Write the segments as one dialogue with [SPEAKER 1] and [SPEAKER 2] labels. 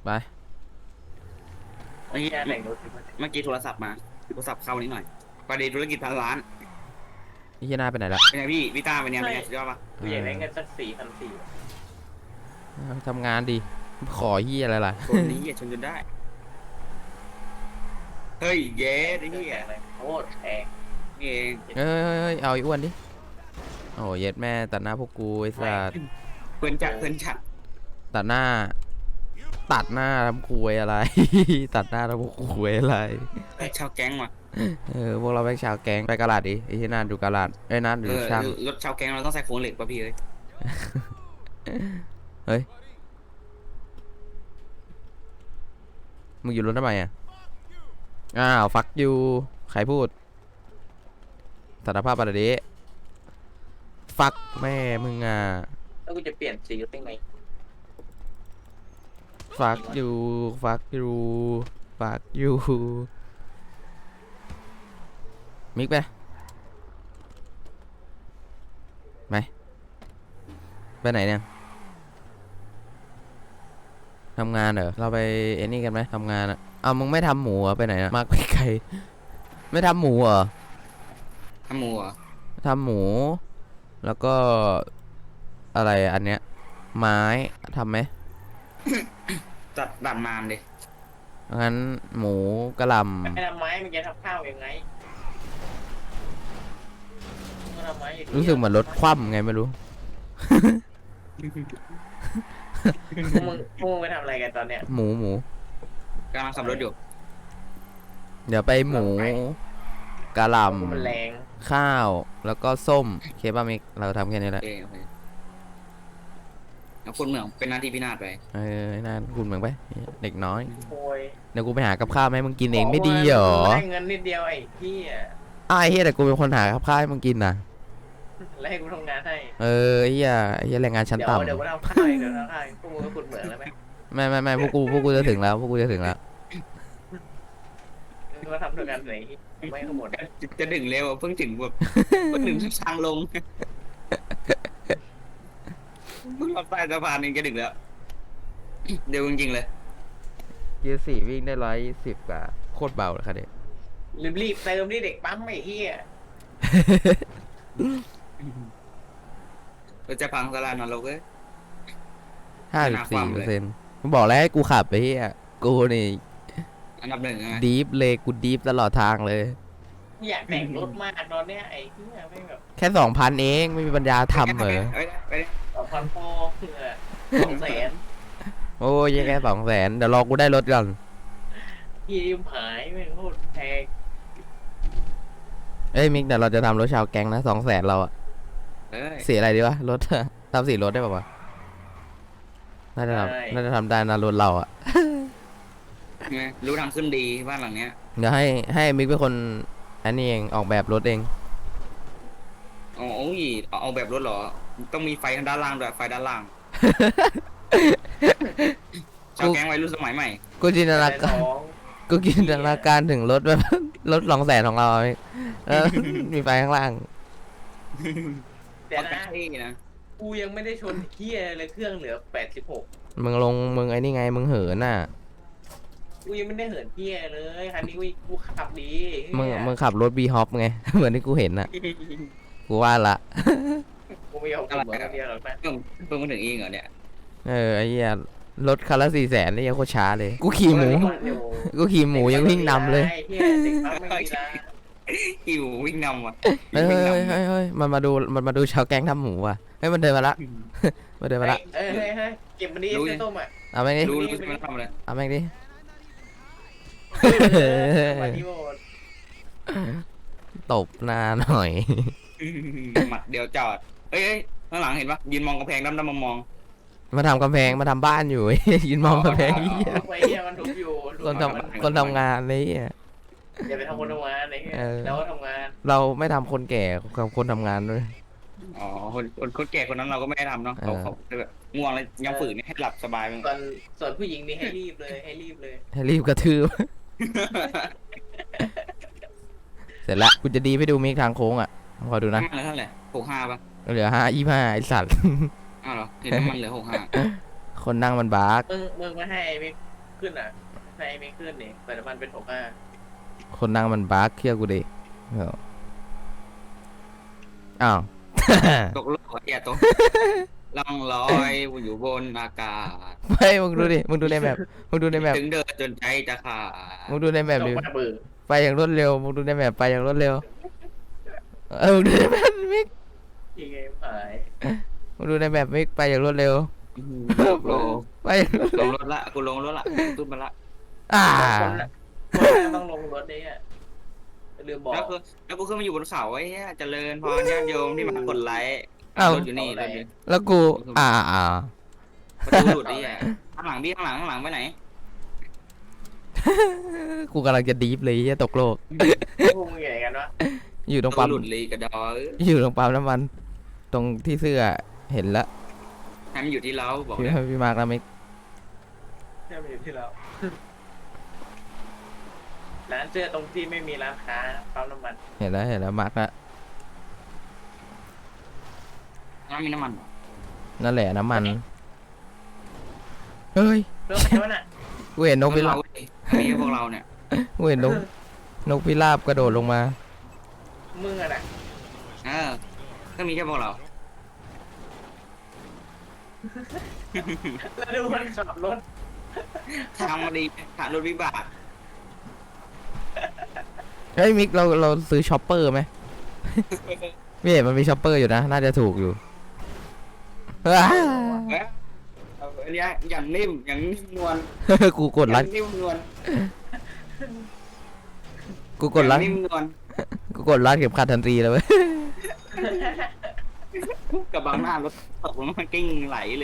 [SPEAKER 1] ไป
[SPEAKER 2] เมื่อกี้โทรศัพท์มาโทรศัพท์เข้านิดหน่อยประเด็นธุรกิจพันล้าน
[SPEAKER 1] นี่เฮียหน้าไปไหนละ
[SPEAKER 2] เป็นไงพี่ต้าเป็นไงสุดยอดปะ
[SPEAKER 3] กูอยากได้เงินสัก4,400
[SPEAKER 1] ทำงานดีขอเฮียอะไรล่ะ
[SPEAKER 2] คนนี้อย่าชนจนได้เฮ้ยเย้ไอ้เหี้ย
[SPEAKER 3] โคตรแพง
[SPEAKER 2] นี่เอง
[SPEAKER 1] เอ้ยเอาไอ้อ้วนดิโอ้เย็ดแม่ตัดหน้าพวกกูไอ้สัส
[SPEAKER 2] เพื่อนจัด
[SPEAKER 1] ตัดหน้าทำคุยอะไร ตัดหน้าทำคุยอะไร
[SPEAKER 2] ชาวแก๊งว่ะ
[SPEAKER 1] พวกเราไปชาวแก๊งไปกะลาดดิไอ้ที่นั่นดูกะลาดไอ้นั่นดูช่าง
[SPEAKER 2] รถชาวแก๊งเราต้องใส่โครงเหล็กป่ะพี่เอ้ย
[SPEAKER 1] เฮ้ยมึงอยู่รถทำไมอ่ะอ้าวฟักยูใครพูดสารภาพอะไรดิฟักแม่มึงอ่ะ
[SPEAKER 3] แล้วกูจะเปลี่ยนสีได้ไง
[SPEAKER 1] ฟักยูมิกไปไหนเนี่ยทำงานเหรอเราไปเอ็นี่กันไหมทำงานอ่ะเอามึงไม่ทำหมูเหรอไปไหนอ่ะมากไปไกลไม่ทำหมูเหรอ
[SPEAKER 2] ทำหมูเหรอ
[SPEAKER 1] ทำหมูแล้วก็อะไรอันเนี้ยไม้ทำไหม
[SPEAKER 2] จัดดัดมามดิ
[SPEAKER 1] งั้นหมูกระหล่ำ
[SPEAKER 3] ไม่ทำไม้มันจะทำข้าวยังไง
[SPEAKER 1] รู้สึกเหมือนรถคว่ำไงไม่รู้
[SPEAKER 3] พวกมึงไปทำอะไรกันตอนเนี้ย
[SPEAKER 1] หมู
[SPEAKER 2] กำลังขับรถอยู่
[SPEAKER 1] เดี๋ยวไปหมูกะหล่
[SPEAKER 3] ำ
[SPEAKER 1] ข้าวแล้วก็ส้มเคบ้ามิกเราทำแค่นี้แหละ
[SPEAKER 2] แล้วคนเหมืองเป็นหน้าที่พี่นาฏไป
[SPEAKER 1] นั่นคุณเหมือนไปเด็กน้อยเดี๋ยวกูไปหากับข้าวให้มึงกินเองไม่ดีหรอ
[SPEAKER 3] ได้เงินนิดเดียวไอ้พี่
[SPEAKER 1] ไอ้เฮียแต่กูเป็นคนหากับข้าวให้มึงกินนะ
[SPEAKER 3] แล้วให้กูทำงานให้
[SPEAKER 1] เฮียแรงงานชั้นต่ำ
[SPEAKER 3] เดี๋ยวกูทำข้าวเดี๋ยวทำข้าวพวกมึงก็ขุดเหมืองแล้วไหม
[SPEAKER 1] ไม่พวกกูจะถึงแล้ว
[SPEAKER 3] มึงก็ทำด้วยกันไหนไม่ทั้งหมด
[SPEAKER 2] จะดึงเร็วเพิ่งถึงแบบเพิ่งถึงทางลงเพิ่งรับใต้สะพานเองจะดึงแล้วเดี๋ยวจริงๆเลย
[SPEAKER 1] เกียร์4วิ่งได้110กว่าโคตรเบาเลยค่ะเด็ก
[SPEAKER 3] รีบเติมนี่เด็กปั๊มไอ้เหี้ย
[SPEAKER 2] เราจะพังสลานอนรกเลย
[SPEAKER 1] 54%มึงบอกแล้วให้กูขับไปเฮียกูนี่
[SPEAKER 2] อันดับ1
[SPEAKER 1] ดีฟเลยกูดีฟตลอดทางเลย
[SPEAKER 3] อยากแต่งรถมากตอนเนี้ยไอ้เหี้ยไม่แบบ
[SPEAKER 1] แค่2,000เองไม่มีปัญญาทำเหรอ
[SPEAKER 3] 2,000พอ200,000
[SPEAKER 1] โอ้ยแค่200,000เดี๋ยวรอกูได้รถก่อน
[SPEAKER 3] พี่หายไม่โคตรแพง
[SPEAKER 1] มิกเดี๋ยวเราจะทำรถชาวแก๊งนะ200,000เราอะสีอะไรดีวะรถทำสีรถได้ป่าวะน่าจะทำได้นะรถเราอะ
[SPEAKER 2] รู้ทางขึ้นดีบ้านหลังเนี้ย
[SPEAKER 1] เดี๋ยวให้มิกเป็นคนอันนี้เองออกแบบรถเอง
[SPEAKER 2] โอ้ยเอาแบบรถเหรอต้องมีไฟทางด้านล่างด้วยไฟด้านล่างชาวแก๊งวัยรุ่นสมัยใหม่
[SPEAKER 1] กูจินตนาการถึงรถแบบรถ200,000ของเราแล้วมีไฟข้างล่าง
[SPEAKER 3] แต่นะกูยังไม่ได้ชนเฮียเลยเครื่องเหลือ86
[SPEAKER 1] มึงไอ้นี่ไงมึงเหินน่ะ
[SPEAKER 3] กูยังไม่ได้เหินเฮียเลยคันนี้กูขับดี
[SPEAKER 1] มึงขับรถบีฮอปไงเหมือนที่กูเห็นน่ะกูว่าละ
[SPEAKER 3] กูไม่ยอมขับเหมือนเดียวหรอกนะ
[SPEAKER 2] เพิ่งมาถึงเองเหรอเนี่ย
[SPEAKER 1] ไอ้เหี้ยรถคันละ400,000นี่ยังโคตรช้าเลยกูขี่หมูยังวิ่งนำเลย
[SPEAKER 2] ขี่หมูวิ่งนำว่ะ
[SPEAKER 1] เฮ้ยมันมาดูชาวแก๊งทำหมูว่ะเฮ้ยมันเดินมาละเ
[SPEAKER 3] ก็บมันดีเส้นต้มอ่ะ
[SPEAKER 1] เอาแม่งดิ
[SPEAKER 2] รู้มันทำอะไร
[SPEAKER 1] เอาแม่งดิตบหน้าหน่อย
[SPEAKER 2] หมัดเดียวจอดเอ้ยข้างหลังเห็นปะยืนมองกำแพงดำมอง
[SPEAKER 1] มาทำกำแพงมาทำบ้านอยู่ยืนมองกำแพงคนทำงานนี่
[SPEAKER 3] อย่าไปทำคนทำงานแล้วทำงาน
[SPEAKER 1] เราไม่ทำคนแก่กับคนทำงานด้วย
[SPEAKER 2] อ๋อคนแก่คนนั้นเราก็ไม่ได้ทำเนาะเขาแบบง่วงแล้วยังฝืนให้หลับสบาย
[SPEAKER 3] ส่วนผู้หญิงนี่ให้รีบ
[SPEAKER 1] กระทืบเสร็จละกูจะดีไปดูมิกทางโค้งอ่ะพอดูนะ
[SPEAKER 2] เท่าไหร่65ป่ะ
[SPEAKER 1] เหลือ25ไอ้สัตว์
[SPEAKER 2] อ้าวเหรอเห็นมันเหลือ65
[SPEAKER 1] คนนั่งมันบาร์ก
[SPEAKER 3] มึงมาให้มิกขึ้นอ่ะในไม่ขึ้นนี่แต่น้ำมันเป็น65
[SPEAKER 1] คนนั่งมันบั๊กเคี่ยวกูดิอ้าว
[SPEAKER 2] ตกโลกอย่าตกล่องลอยอยู่บนอากาศ
[SPEAKER 1] ไม่มึงดูดิมึงดูในแมปมึงดูในแมป
[SPEAKER 2] ถึงเดินจนใจจะขาด
[SPEAKER 1] มึงดูในแมป
[SPEAKER 3] ต
[SPEAKER 1] ดิ
[SPEAKER 3] กมาเบื่อ
[SPEAKER 1] ไปอย่างรวดเร็วมึงดูในแมปไปอย่างรวดเร็วมึงดูในแมปมิก
[SPEAKER 3] ยังไงหาย
[SPEAKER 1] มึงดูในแมปมิกไปอย่างรวดเร็ว
[SPEAKER 2] โล
[SPEAKER 1] ไปอย่างรวด
[SPEAKER 2] ล
[SPEAKER 1] เร็ว
[SPEAKER 2] งรถละกูลงรถละขึ้นมาละ
[SPEAKER 1] อ่า
[SPEAKER 3] คนละคนต้องลงรถนี่อ่ะลืมบอก
[SPEAKER 2] แล้วกูขึ้นมาอยู่บนเขาไอ้เหี้ยเจริญพรญาติโยมที่มากดไลค์รถอยู่นี่รถอยู่
[SPEAKER 1] แล้วกูอ่า
[SPEAKER 2] ประตูหลุดดิอ่ะข้างหลังพี่ข้างหลังไปไหน
[SPEAKER 1] กูกำลังจะดีฟเลยเหี้ยตกโลก
[SPEAKER 3] พวกมึงใหญ่กันวะ
[SPEAKER 1] อยู่ตรง
[SPEAKER 2] ปั๊
[SPEAKER 1] ปั๊
[SPEAKER 2] ม
[SPEAKER 1] ม
[SPEAKER 2] หลุดเลยกระดอ
[SPEAKER 1] อยู่ตรงปั๊มน้ำมัน ตรงที่เสื้อเห็นแล้ว
[SPEAKER 2] ให้มันอยู่ที่เราบอก
[SPEAKER 1] พี่
[SPEAKER 2] เลย
[SPEAKER 1] พี่มาร์กแล้วมิก
[SPEAKER 3] เนี่ยมันอยู่ที่เราร้านเสื้อตรงที่ไม่มีร้านค้าปั๊มน้ำมัน
[SPEAKER 1] เห็นแล้วมาร์กแล้ว
[SPEAKER 2] น้ำมีน้ำมัน
[SPEAKER 1] นั่นแหละน้ำมันเฮ้ย
[SPEAKER 3] เรื่องอะไรวะน่ะ
[SPEAKER 1] กูเห็นนกพิราบ
[SPEAKER 2] มีพวกเราเนี่ย
[SPEAKER 1] กูเห็นนกพิราบกระโดดลงมา
[SPEAKER 3] มึงอะน่ะ
[SPEAKER 2] ก็มีแค่พวกเรา
[SPEAKER 3] แล้วดูมันขับรถ
[SPEAKER 2] ทางมาดีผ่านรถวิบาก
[SPEAKER 1] เฮ้ยมิกเราซื้อช็อปเปอร์ไหม ไม่เห็นมันมีช็อปเปอร์อยู่นะ น่าจะถูกอยู่
[SPEAKER 2] อันนี้อย่างนิ่มอย่างนิ่มนวล
[SPEAKER 1] กูกดรัด
[SPEAKER 2] นิ่มนวล
[SPEAKER 1] กูกดรัด
[SPEAKER 2] นิ่มนวล
[SPEAKER 1] กูกดรัดเข็มขัดทันทีเลยเว้ย
[SPEAKER 2] กับบางหน้ารถตกมันกิ้งไหลเลย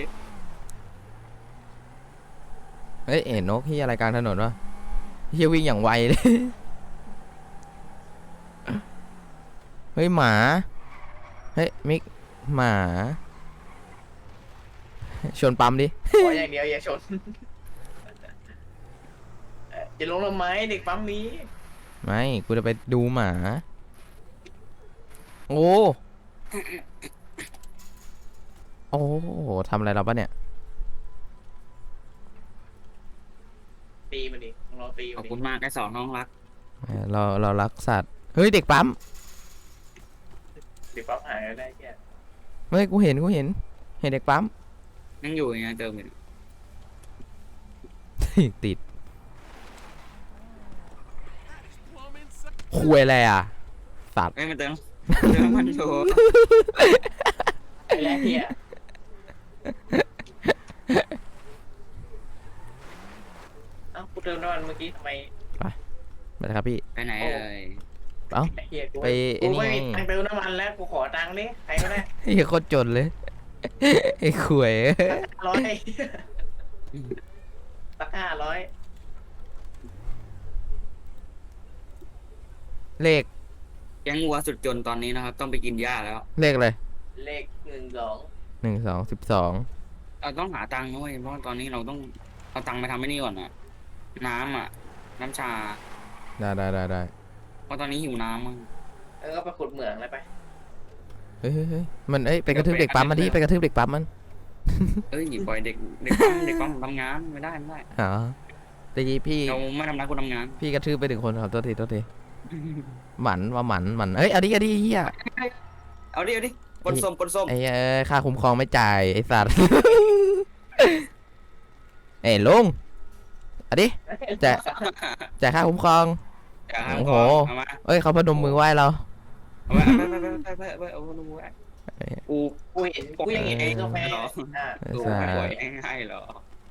[SPEAKER 1] เฮ้ยเห็นนกที่อะไรกลางถนนวะเฮียวิ่งอย่างไวเลย เฮ้ยหมา เฮ้ยมิกหมา ชนปั๊มดิ
[SPEAKER 3] ขออย่างเดียวอย่าชนจะลงทำไมเด็กปั๊มนี้
[SPEAKER 1] ไม่ กูจะไปดูหมา โอ้ โอ้ทำอะไรเราปะเนี่ย
[SPEAKER 3] ตีมันดิลองตี
[SPEAKER 2] ข
[SPEAKER 3] มั
[SPEAKER 2] อน บ
[SPEAKER 3] ดิ
[SPEAKER 2] คุณมากไอ้สองน้องรัก
[SPEAKER 1] เรารักสัตว์ เฮ้ยเด็กปั๊ม
[SPEAKER 3] เด็กปั๊มหายได้แค่
[SPEAKER 1] เฮ้ยกูเห็นเด็กปั๊ม
[SPEAKER 2] ยังอยู่อย่างเงี้ยเจอมัน
[SPEAKER 1] ติดคุยอะไรอ่ะ สัตว์
[SPEAKER 2] เอ้ยมันเติมมันโชว์
[SPEAKER 3] ไอ้แรกเฮียเอ้ากูเติมน้ำมันเมื่อกี้ทำไม
[SPEAKER 1] ไปเลยครับพี่
[SPEAKER 2] ไปไหนเอ่ย
[SPEAKER 1] เอ้า
[SPEAKER 3] ไอ้เฮียกู
[SPEAKER 1] ไปไอ้
[SPEAKER 3] กู
[SPEAKER 1] นี่
[SPEAKER 3] ไม่
[SPEAKER 1] ไง
[SPEAKER 3] มีตังค์เติมน้ำมันแล้วกูขอตังค์นี่ใครก็ได้
[SPEAKER 1] ไอ้โคตรจนเลย ไอ้ขวย
[SPEAKER 3] 100สัก500
[SPEAKER 1] เลข
[SPEAKER 2] แก๊งวัวสุดจนตอนนี้นะครับ ต้องไปกินหญ้าแล้ว
[SPEAKER 1] เลขอะไร
[SPEAKER 3] เลข12
[SPEAKER 1] 1 2 12
[SPEAKER 2] เราต้องหาตังค์ด้วยเพราะตอนนี้เราต้องเอาตังค์ไปทำไม่นี่ก่อนอะน้ำอะน้ำชา
[SPEAKER 1] ได้
[SPEAKER 2] เพราะตอนนี้หิวน้ำมั้ง
[SPEAKER 3] ก็ไปขุดเหมืองเลยไป
[SPEAKER 1] เฮ้ยมันไปกระทืบเด็กปั๊มมันดิไปกระทืบเด็กปั๊มมัน
[SPEAKER 2] เอ้ยปล่อยเด็กปั๊มทำงานไม่ได้
[SPEAKER 1] อ๋อตะกี้พี่
[SPEAKER 2] เราไม่ทำร้ายคนทำงาน
[SPEAKER 1] พี่กระทืบไปถึงคนครับโทษทีหมันเอ้ยเอาดิเฮีย
[SPEAKER 2] เอาดิปนส้ม
[SPEAKER 1] ไอ้ค่าคุ้มครองไม่จ่ายไอ้สัตว์ เอ้ยลุงเอาดิจ่ายค่าคุ้มครอง โอ้โห
[SPEAKER 2] เอามา
[SPEAKER 1] เอ้ยเขาพนมมือไหว้เรา
[SPEAKER 2] เอาไปเอาดูไว้กู
[SPEAKER 3] กูยังเห็นไอ้กาแฟ
[SPEAKER 2] กูไม่ปล่อยให้หรอ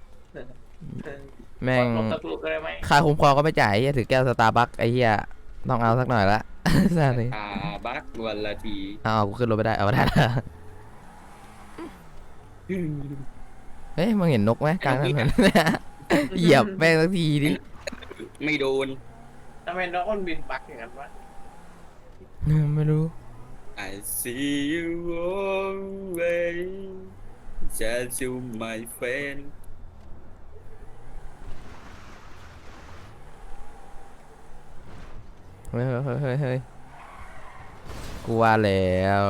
[SPEAKER 1] แม่ง
[SPEAKER 3] ลงตะกรุดได้ไหม
[SPEAKER 1] ค่าคุ้มครองก็ไม่จ่ายไอ้เหี้ยถือแก้วสตาร์บัคไอ้เหี้ยต้องเอาสักหน่อยละ สัตว์เลย
[SPEAKER 2] บักวันละที
[SPEAKER 1] เอากูขึ้นรถไม่ได้เอาไม่ได้ ละเฮ้ยมึงเห็นนกไหมกลางถนน เหยียบแม่งสักทีดิ
[SPEAKER 2] ไม่โดน
[SPEAKER 3] ทำไมน้องคนบินปักอย่างนั้นวะ
[SPEAKER 1] ไม่รู้
[SPEAKER 2] I see you always just you my friend
[SPEAKER 1] เฮ้ยกูว่าแล้ว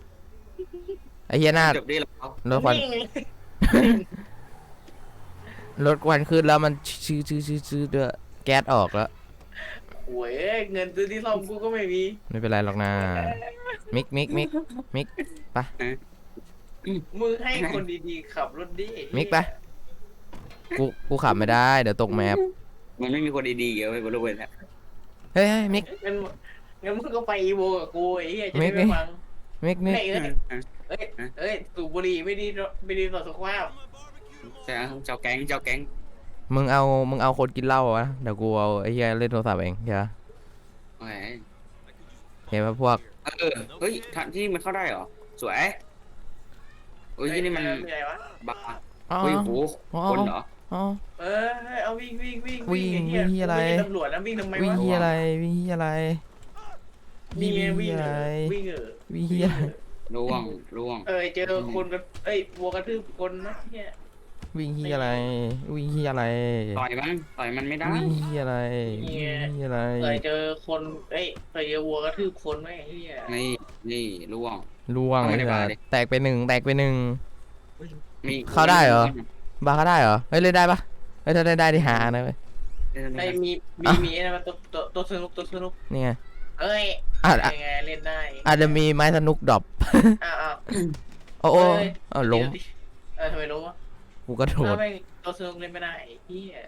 [SPEAKER 1] ไอ้เหี้ยหน้า
[SPEAKER 2] จบได้แล้ว
[SPEAKER 1] รถควันรถควันขึ้นแล้วมันชื้อด้วยแก๊สออกแล้ว
[SPEAKER 3] โว้ยเงินซื้อที่ซ่อมกูก็ไม่มี
[SPEAKER 1] ไม่เป็นไรหรอกนะมิกไป
[SPEAKER 3] มึงให้คนดีๆขับรถดิ
[SPEAKER 1] มิกไป กูขับไม่ได้เดี๋ยวตกแมพ
[SPEAKER 2] มันไม่มีคนดีๆเกี่ยวกับบริเวณแล้ว
[SPEAKER 1] เฮ้ยมิก
[SPEAKER 3] งั้นมึงก็ไปอีโวกับกูไอ้เหี้ยจะ
[SPEAKER 1] มิ
[SPEAKER 3] ได้
[SPEAKER 1] ก
[SPEAKER 3] ไม่ฟัง
[SPEAKER 1] มิก
[SPEAKER 3] เอ้ยสูบบุหรี่ไม่ดีต่อสุขภาพ
[SPEAKER 2] เจ้าแก๊ง
[SPEAKER 1] มึงเอาคนกินเหล้าวะเดี๋ยวกูเอาไอ้เหี้ยเล่นโทรศัพท์เองเดี๋ยว
[SPEAKER 2] โอเค
[SPEAKER 1] เห็นปะพวก
[SPEAKER 2] เฮ้ยทางที่มันเข้าได้เหรอสวยโอ้ยที่นี่มัน
[SPEAKER 3] อะไรวะ
[SPEAKER 2] บ้า
[SPEAKER 1] อ๋อ
[SPEAKER 2] เฮ้ยโหคนเหรอ
[SPEAKER 1] อ๋อ
[SPEAKER 3] เอาวิ่ง
[SPEAKER 1] วิ่ง
[SPEAKER 3] ไอ้
[SPEAKER 1] วิ่
[SPEAKER 3] เหี้ย
[SPEAKER 1] งอะไร
[SPEAKER 3] กูม่ใช่ตำรวจนะวิ่งทำไม
[SPEAKER 1] วิ่ง
[SPEAKER 3] วะ
[SPEAKER 1] เหี้ยอะไรวิ่งเหี้ยอะไร
[SPEAKER 3] นี่ไงวิ่ง
[SPEAKER 1] อะไร
[SPEAKER 3] วิ่ง
[SPEAKER 1] วิ่งเหี้ย
[SPEAKER 2] ล่วง
[SPEAKER 3] เจอคนแบบวัวกระทืบคนนะเหี้ย
[SPEAKER 1] วิ่งเหี้ยอะไรวิ่งเหี้ยอะไร
[SPEAKER 2] ต่อยมันไม่ได้
[SPEAKER 1] วิ่งเหี้ยอะไรวิ่งเหี้ยอะไร
[SPEAKER 3] เจอคนเคยเจอวัวกระทืบคนไหมไอ้เหี้ย
[SPEAKER 2] นี่ล่วง
[SPEAKER 1] ล่วง
[SPEAKER 2] เอาไม่
[SPEAKER 1] เลย
[SPEAKER 2] ได้
[SPEAKER 1] นะ
[SPEAKER 2] บาดิ
[SPEAKER 1] แตกไปหนึ่ง
[SPEAKER 2] มี
[SPEAKER 1] เข้าได้เหรอ บาร์เขาได้เหรอเฮ้ยเล่นได้ปะเฮ้ยถ้าเล่นได้ที่หานะเว้ย
[SPEAKER 3] มีไอ้นั่นมันตัวสนุก
[SPEAKER 1] นี่ไง
[SPEAKER 3] อาจยังไงเล่นได้
[SPEAKER 1] อาจจะมีไม้สนุกดรอป
[SPEAKER 3] อ้าว
[SPEAKER 1] โอ้โอ้ล้ม
[SPEAKER 3] ทำไมล้มวะ
[SPEAKER 1] กูก็โดด
[SPEAKER 3] ไม่ตัวสนุกเล่นไม่ได้เหี้ย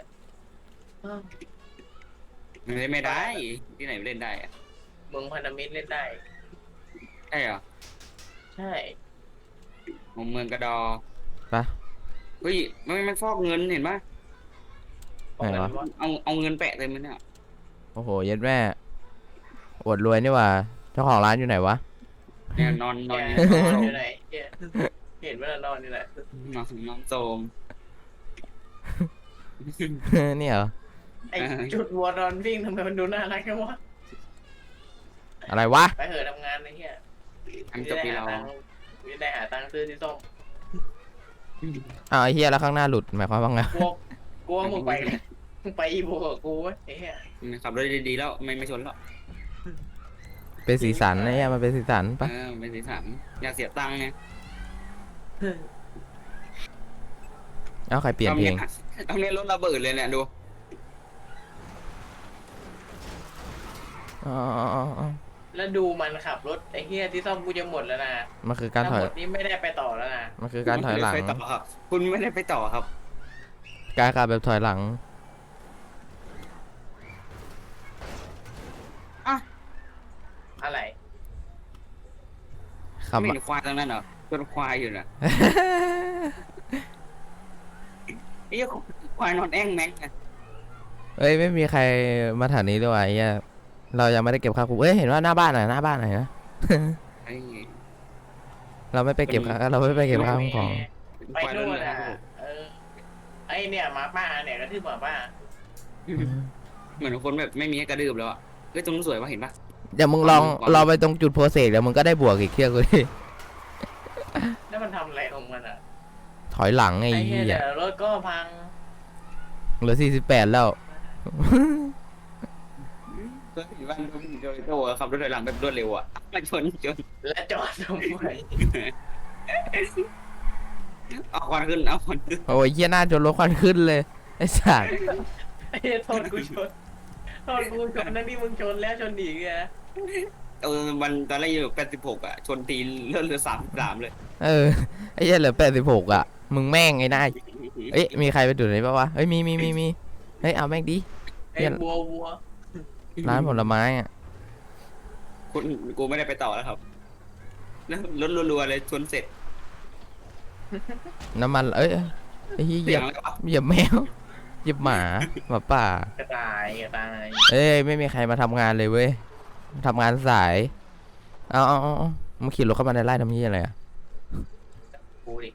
[SPEAKER 2] เล่นไม่ได้ที่ไหนเล่นได้อะ
[SPEAKER 3] เมืองพันธมิตรเล่นได้
[SPEAKER 2] ใช่เหรอ
[SPEAKER 3] ใช่
[SPEAKER 2] เมืองกระดอ
[SPEAKER 1] ไป
[SPEAKER 2] เฮ้ยมันฟอกเงินเห็นปะ
[SPEAKER 1] ไหนวะ
[SPEAKER 2] เอาเงินแปะเต็มเลยเนี่ย
[SPEAKER 1] โอ้โหเย็ดแม่อวดรวยนี่หว่าเจ้าของร้านอยู่ไหนวะ
[SPEAKER 2] เนี่ยนอน
[SPEAKER 3] อยู่ไหนเห็นว่านอนนี่แหละ
[SPEAKER 2] นอนโซม
[SPEAKER 1] นี่เหรอ
[SPEAKER 3] ไอ้จุดวัวนอนวิ่งทำไมมันดูน่ารักจังวะ
[SPEAKER 1] อะไรวะ
[SPEAKER 3] ไปเหอะทำงานไอ้เหี้ย
[SPEAKER 2] ทำจบปีเรา
[SPEAKER 3] ไม่ได้หาตังค์ซื้อที่ส้ม
[SPEAKER 1] อ้าวไอ้เฮียแล้วข้างหน้าหลุดหมายความว่าไง
[SPEAKER 3] กลัวมึงไปเลยมึงไปอีโบกับกูวะไอ้เหี้ย
[SPEAKER 2] ขับรถดีๆแล้วไม่ชนหรอก
[SPEAKER 1] เป็นสีสันนะเนี่ยมันเป็นสีสันปะ
[SPEAKER 2] เป็นสีสันอยากเสียตังค์ไง
[SPEAKER 1] เอาใครเปลี่ยนเพลง
[SPEAKER 2] เอาเนี่ยรถระเบิดเลยเนี่ยดู
[SPEAKER 1] อ๋อ
[SPEAKER 3] แล้วดูมันขับรถไอ้เหี้ยที่ซ่อมกูจะหมดแล้วนะ
[SPEAKER 1] มันคือการถอย
[SPEAKER 3] หมดนี้ไม่ได้ไปต่อแล้วนะ
[SPEAKER 1] มันคือการถอยหลัง
[SPEAKER 2] ไปต่อครับคุณไม่ได้ไปต่อครับ
[SPEAKER 1] การขับแบบถอยหลัง
[SPEAKER 3] อะไร
[SPEAKER 1] ขับ
[SPEAKER 2] ไม่เห็นควายตรงนั้นเหรอต้นควายอยู่น่ะไอ้ควายนอนแอ่งแม็ก
[SPEAKER 1] เอ้ยไม่มีใครมาแถวนี้ด้วยวะไอ้เหี้ยเรายังไม่ได้เก็บค่าคุ้มเอ้ยเห็นว่าหน้าบ้านหน่อยหน้าบ้านหน่อยนะ
[SPEAKER 2] ไอ้
[SPEAKER 1] เราไม่ไปเก็บค่าเราไม่ไปเก็บค่าคุ้มของ
[SPEAKER 3] ไปนู่นอ่ะไอ้เนี่ยหมาป้าเนี่ยกระทืบหมาป้า
[SPEAKER 2] เหมือนคนแบบไม่มีให้กระดืบแล้วอ่ะเฮ้ยตรงนู้นสวยป่ะเห็นป่ะ
[SPEAKER 1] เดี๋ยวมึงลองเราไปตรงจุดโพเซกเดี๋ยวมึงก็ได้บวกอีกเที่ยวกูดิ
[SPEAKER 3] แล้วมันทำอะไรของมันอ่ะ
[SPEAKER 1] ถอยหลังไอ้
[SPEAKER 3] ไอ้
[SPEAKER 1] เหี้
[SPEAKER 3] เหี้ย
[SPEAKER 1] ย
[SPEAKER 3] เดี๋ยวรถก็พัง
[SPEAKER 1] เหลือ48แล้ว
[SPEAKER 2] ก็เห็นว่าโดยโตขับรถถอยหลังแบบรวดเร็วอ่ะมาชน
[SPEAKER 3] และจอดทำไม
[SPEAKER 2] เอาควันขึ้นเอาควันขึ้น
[SPEAKER 1] โอ้ยเหี้ยหน้าจนรถควันขึ้นเลยไอ้สัตว์
[SPEAKER 3] ไอ้เหี้ยโทษกูชนนั่นนี่มึงชนแล้วชนอีกไง
[SPEAKER 2] มันตอนแรกอยู่86อ่ะชนตีเลื่อนเหลือ33เลย
[SPEAKER 1] ไอ้เหี้ยเหลือ86อ่ะมึงแม่งไอ้หน้าเอ้ยมีใครไปดูดไหนปะวะเฮ้ยมีเฮ้ยเอาแม่งดิ
[SPEAKER 3] ไอ้วัว
[SPEAKER 1] ร้านผลไม้อ่ะ
[SPEAKER 2] กูไม่ได้ไปต่อแล้วครับแล้วรถรัวๆเลยชนเสร็จ
[SPEAKER 1] น้ำมันเอ้ยไอ้เหี้ยเหยียบแมวเหยียบหมาป่าก
[SPEAKER 3] ระต่าย
[SPEAKER 1] เอ้ยไม่มีใครมาทำงานเลยเว้ยทำงานสายเอามึงขี่รถเข้ามาในไร่ทำยี่อะไรอ่ะ
[SPEAKER 3] กูดิ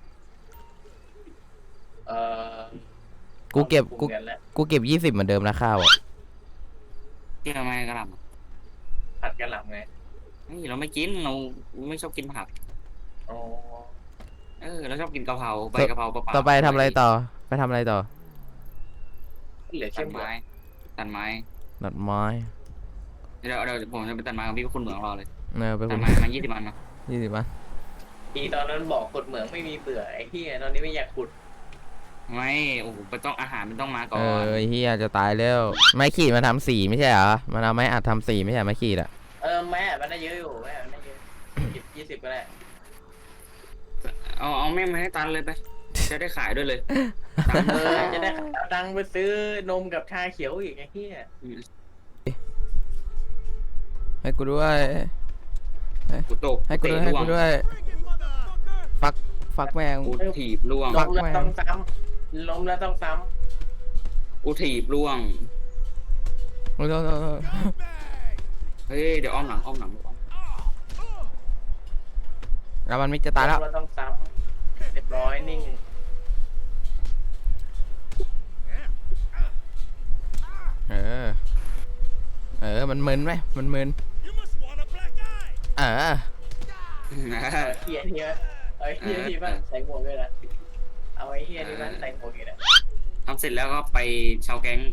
[SPEAKER 1] กูเก็บ20เหมือนเดิมนะข้าวอ่ะ
[SPEAKER 2] ที่ทำไมกระหล่
[SPEAKER 3] ผัดกระหล่ำไง
[SPEAKER 2] ำนี่เราไม่กินเราไม่ชอบกินผัก
[SPEAKER 3] อ๋อ
[SPEAKER 2] เราชอบกินกะเพราใบกะเพราเปล่าๆ
[SPEAKER 1] ต่อไปทำอะไรต่อไปทำอะไรต่อ
[SPEAKER 3] เหลือ
[SPEAKER 2] ตั
[SPEAKER 3] เข้
[SPEAKER 2] ด
[SPEAKER 3] ม
[SPEAKER 2] ไม้ตัดไม้
[SPEAKER 1] ตัดไม้
[SPEAKER 2] เดี๋ยวผมจะไปตัดไม้กับพี่คุณเหมืองรอเลย
[SPEAKER 1] ไป
[SPEAKER 2] ตั
[SPEAKER 1] คุ
[SPEAKER 2] ด
[SPEAKER 1] ณ
[SPEAKER 2] ไม้มา20 วันนะ
[SPEAKER 1] 20 บาท
[SPEAKER 3] ปีตอนนั้นบอกขุดเหมืองไม่มีเบื่อไอ้เหี้ยตอนนี้ไม่อยากขุด
[SPEAKER 2] ไม่โอ้โหมันต้องอาหารมันต้องมาก่
[SPEAKER 1] เอ
[SPEAKER 2] อน
[SPEAKER 1] อเฮียจะตายแล้วไม้ขีดมาทำสีไม่ใช่เหรอมันเอาไม้อัดทำสีไม่ใช่ไม้ขีดอะ
[SPEAKER 3] แม่มันได้เยอะอยู่แม่มันได้เยอะ20ก็ได้
[SPEAKER 2] เอาแม่งมาให้ตันเลยไปจะได้ขายด้วยเลยตังค์
[SPEAKER 3] จะได้เอาตังค์ไปซื้อนมกับชาเขียวอีกไอ้เหี้ย
[SPEAKER 1] ให้กูด้วย
[SPEAKER 2] กูตก
[SPEAKER 1] ให้กูด้วยให้กูด้วยฟักแมง
[SPEAKER 2] กูถีบล่วง
[SPEAKER 1] ฟั
[SPEAKER 3] ล้
[SPEAKER 1] ก
[SPEAKER 3] มแล้ว
[SPEAKER 1] แม่ง
[SPEAKER 3] ต้องซ้ำล้มแล้วต้องซ้
[SPEAKER 2] กูถีบล่วง
[SPEAKER 1] โอ้ย
[SPEAKER 2] เฮ้ยเดี๋ยวอ้อมหลัง
[SPEAKER 1] แล้วมันมิกจะ
[SPEAKER 3] ำ
[SPEAKER 1] ตายแล้ว
[SPEAKER 3] ล้มต้องซ้ำเรียบร้อยนิ่ง
[SPEAKER 1] มันมึนไหมมันมึนเออ
[SPEAKER 3] เฮียที่ว่าเอาไอ้เฮียที่มันใส่หมวกด้วยนะเอาไอ้เฮียที่มันใส่หมวกอีกนะ
[SPEAKER 2] ทำเสร็จแล้วก็ไปชาวแก๊ง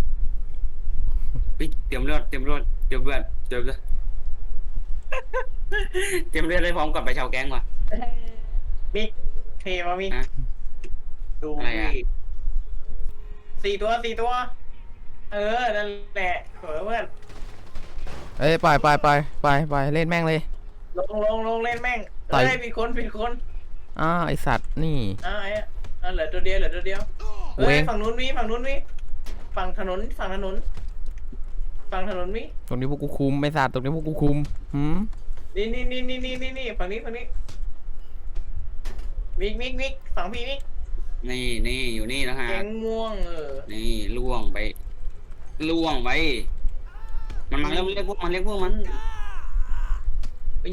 [SPEAKER 2] เตรียมเลือดเตรียมเลือดเตรียมเลือดได้พร้อมกับไปชาวแก๊งว่ะ
[SPEAKER 3] มิกเทมามิก
[SPEAKER 2] ฮะ
[SPEAKER 3] ดู
[SPEAKER 2] อะไรอะ
[SPEAKER 3] ดิ4 ตัวนั่นแหละสวยเพื่อน
[SPEAKER 1] เอ้ยไปเล่นแม่งเลย
[SPEAKER 3] ลงเล่นแม่ง
[SPEAKER 1] ต่อย
[SPEAKER 3] เฮ้ยผิดคน
[SPEAKER 1] อ้าวไอสัตว์นี่
[SPEAKER 3] ไอ้เหลือตัวเดียวเฮ้
[SPEAKER 1] เว้
[SPEAKER 3] ย
[SPEAKER 1] ง
[SPEAKER 3] ฝั่งนู้นมีฝั่งถนนมี
[SPEAKER 1] ตรงนี้พวกกูคุมไอสัตว์ตรงนี้พวกกูคุมหืม
[SPEAKER 3] นี่ฝั่งนี้มิกฝั่งพี่มิก
[SPEAKER 2] นี่อยู่นี่นะฮะ
[SPEAKER 3] แกงม่วง
[SPEAKER 2] นี่ล่วงไปมันมาเรียกพวกมัน
[SPEAKER 3] เยอะ
[SPEAKER 2] มา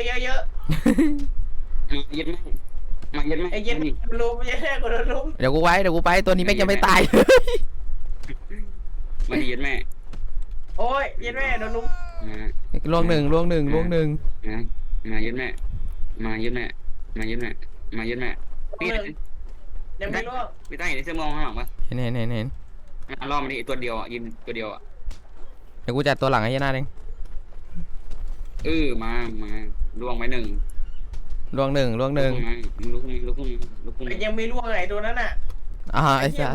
[SPEAKER 2] ยึดแม่ง
[SPEAKER 3] ไอ้เย็นลุมไม่ใช่กูโดนลุม
[SPEAKER 1] เดี๋ยวกูไปตัวนี้แม่งยังไม่ตาย
[SPEAKER 2] มาดียึดแม่
[SPEAKER 3] โอ้ยเย็นแม่โดนลุม
[SPEAKER 1] ล่วงหนึ่ง
[SPEAKER 2] มายึดแม่พี่
[SPEAKER 3] ยังไม่ล่วง
[SPEAKER 2] พี่ตั้งอยู่ในเสื้อมองข้างหลังปะ
[SPEAKER 1] เห็น
[SPEAKER 2] รอบมันนี่ตัวเดียวอ่ะยืนตัวเดียวอ่ะ
[SPEAKER 1] เดี๋ยวกูจัดตัวหลังให้ยันหน้าเอง
[SPEAKER 2] มาล่วงไปหนึ่ง
[SPEAKER 1] ล่วงหนึ่ง
[SPEAKER 2] ลุกขึ้น
[SPEAKER 3] ยังไม่ล่วงไอ้ตัวนั้นน่ะ
[SPEAKER 1] ไอสัตว์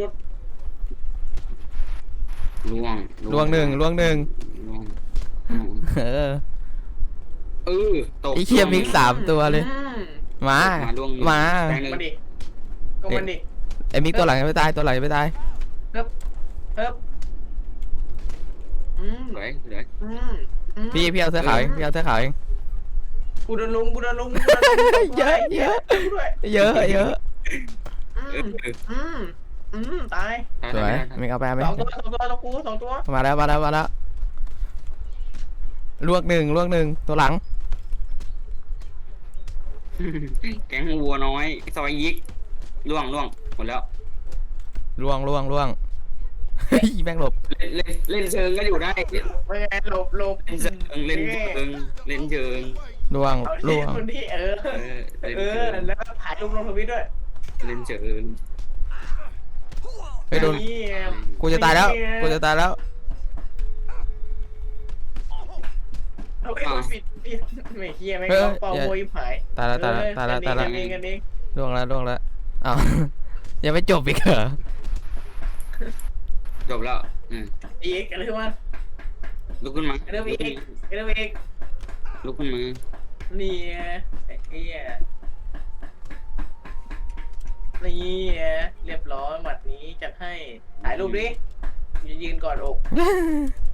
[SPEAKER 2] ล่วงหนึ่ง
[SPEAKER 1] เออ
[SPEAKER 2] ตก
[SPEAKER 1] ไอเคียมิก3 ตัวเลยมา
[SPEAKER 2] ล่วง
[SPEAKER 1] มา
[SPEAKER 3] มาดิก็มันดิ
[SPEAKER 1] ไอมิกตัวหลังยังไม่ตายตัวหลังยังไม่ตาย
[SPEAKER 3] เฮ้ย
[SPEAKER 2] สวย
[SPEAKER 1] พี่เอาเสื้อขาวเอง
[SPEAKER 3] กูโดนลุม
[SPEAKER 1] เยอะ
[SPEAKER 3] ตาย
[SPEAKER 1] สวยมิกเอาไปไหม
[SPEAKER 3] 2 ตัว
[SPEAKER 1] มาแล้วล่วงหนึ่งตัวหลัง
[SPEAKER 2] แก๊งวัวน้อยซอยยิกล่วงหมดแล้ว
[SPEAKER 1] ล่วงแม่งหลบ
[SPEAKER 2] เล่นเชิงก็อยู่ได้
[SPEAKER 3] ไม่ไงหลบ
[SPEAKER 2] เล่นเชิง
[SPEAKER 1] ล่วง
[SPEAKER 3] คนที่แล้วก็ถ่ายรูปลงทวิตด้วย
[SPEAKER 2] เล่นเชิง
[SPEAKER 1] เฮ้ยโดนกูจะตายแล้ว
[SPEAKER 3] เอาไอ้คนปิดไม่เฮียไม่ก็เป่าโวยหาย
[SPEAKER 1] ตายแล้ว
[SPEAKER 3] กันเอง
[SPEAKER 1] ล่วงแล้วอ้าว ยังไม่จบอีกเหรอ
[SPEAKER 2] จบแล้ว
[SPEAKER 3] อีกอะไรวะ
[SPEAKER 2] ลุกขึ้นมา
[SPEAKER 3] เริ่มอีก
[SPEAKER 2] ลุกขึ้นมา
[SPEAKER 3] นี่ไอ้เฮียนี่เรียบร้อยหมัดนี้จัดให้ถ่ายรูปดิยืนกอดอก